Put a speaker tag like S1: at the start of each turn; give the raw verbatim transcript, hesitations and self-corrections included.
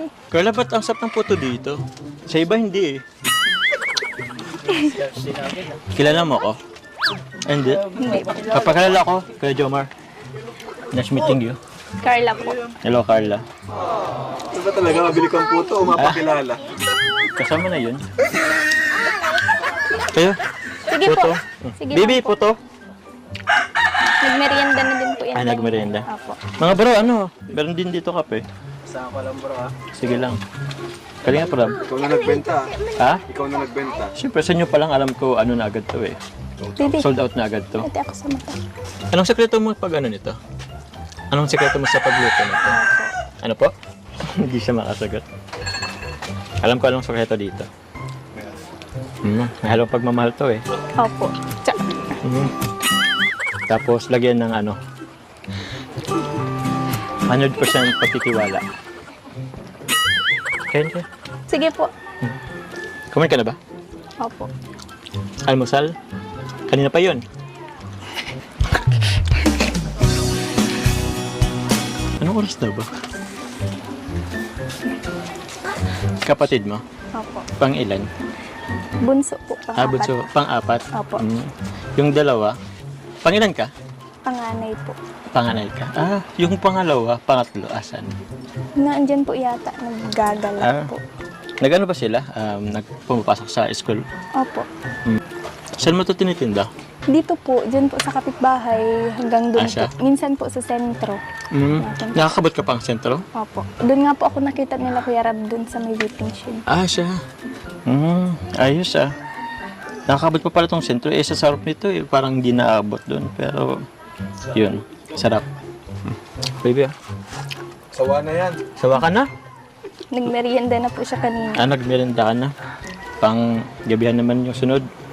S1: eh.
S2: Carla, ba't ang sarap ng puto dito? Sa iba hindi eh. Kilala mo ako? Hindi.
S1: Hindi po.
S2: Papakilala ko, Kuya Jomar. Nice meeting you.
S1: Carla po.
S2: Hello, Carla.
S3: Ito ba talaga mabili kang puto o mapakilala?
S2: Kasama na yun. Kayo?
S1: Sige
S2: Puto.
S1: po. Sige
S2: Bibi,
S1: lang po.
S2: puto.
S1: Nagmerienda na din po yan.
S2: Ah, nagmerienda.
S1: Opo.
S2: Mga bro, ano? Meron din dito kape.
S3: Saan ko lang bro ha?
S2: Sige lang. Kalinga pa
S3: Ikaw na nagbenta ha?
S2: Ha?
S3: Ikaw na nagbenta.
S2: Siyempre, sa inyo pa lang alam ko ano na agad to eh.
S1: Bibi,
S2: Sold out na agad to.
S1: ito ako sa mata.
S2: Anong sekreto mo pag ano nito? Anong sekreto mo sa pagluto nito? Ano po? Hindi siya makasagot. Alam ko anong sekreto dito. Mm, may halong pagmamahal to eh.
S1: Opo. Tsa.
S2: Mm. Tapos lagyan ng ano, one hundred percent pagtitiwala. Kain ka?
S1: Sige po.
S2: Kumain ka na ba?
S1: Opo.
S2: Almusal? Kanina pa yun. Anong oras na ba? Kapatid mo?
S1: Opo.
S2: Pang ilan?
S1: Bunso po.
S2: Ah,
S1: Pangapat.
S2: bunso. Pang-apat?
S1: Opo.
S2: Mm. Yung dalawa? Pang ilan ka?
S1: Panganay po.
S2: Panganay ka? Ah, yung pangalawa, pangatlo, asan?
S1: Naandyan po yata. Naggagala
S2: Ah.
S1: po.
S2: Nag-ano ba sila? Um, nagpumapasok sa school?
S1: Opo.
S2: Saan mo ito tinitinda?
S1: Dito po, dyan po sa kapitbahay hanggang doon
S2: Ah, siya?
S1: po. Minsan po sa sentro.
S2: Mm. Nakakabot ka pang sentro?
S1: Opo. Doon nga po ako nakita nila Kuya Rab doon sa may whipping machine.
S2: Ah, siya. Mm, ayos ah. Nakakabot pa pala tong sentro. Eh, sa sarap nito eh. Parang hindi naabot doon. Pero, yun. Sarap. Mm. Baby ah.
S3: Sawa na yan.
S2: Sawa ka na?
S1: Nagmerienda na po siya kanina.
S2: Ah, nagmerenda ka na. Pang gabihan naman yung sunod.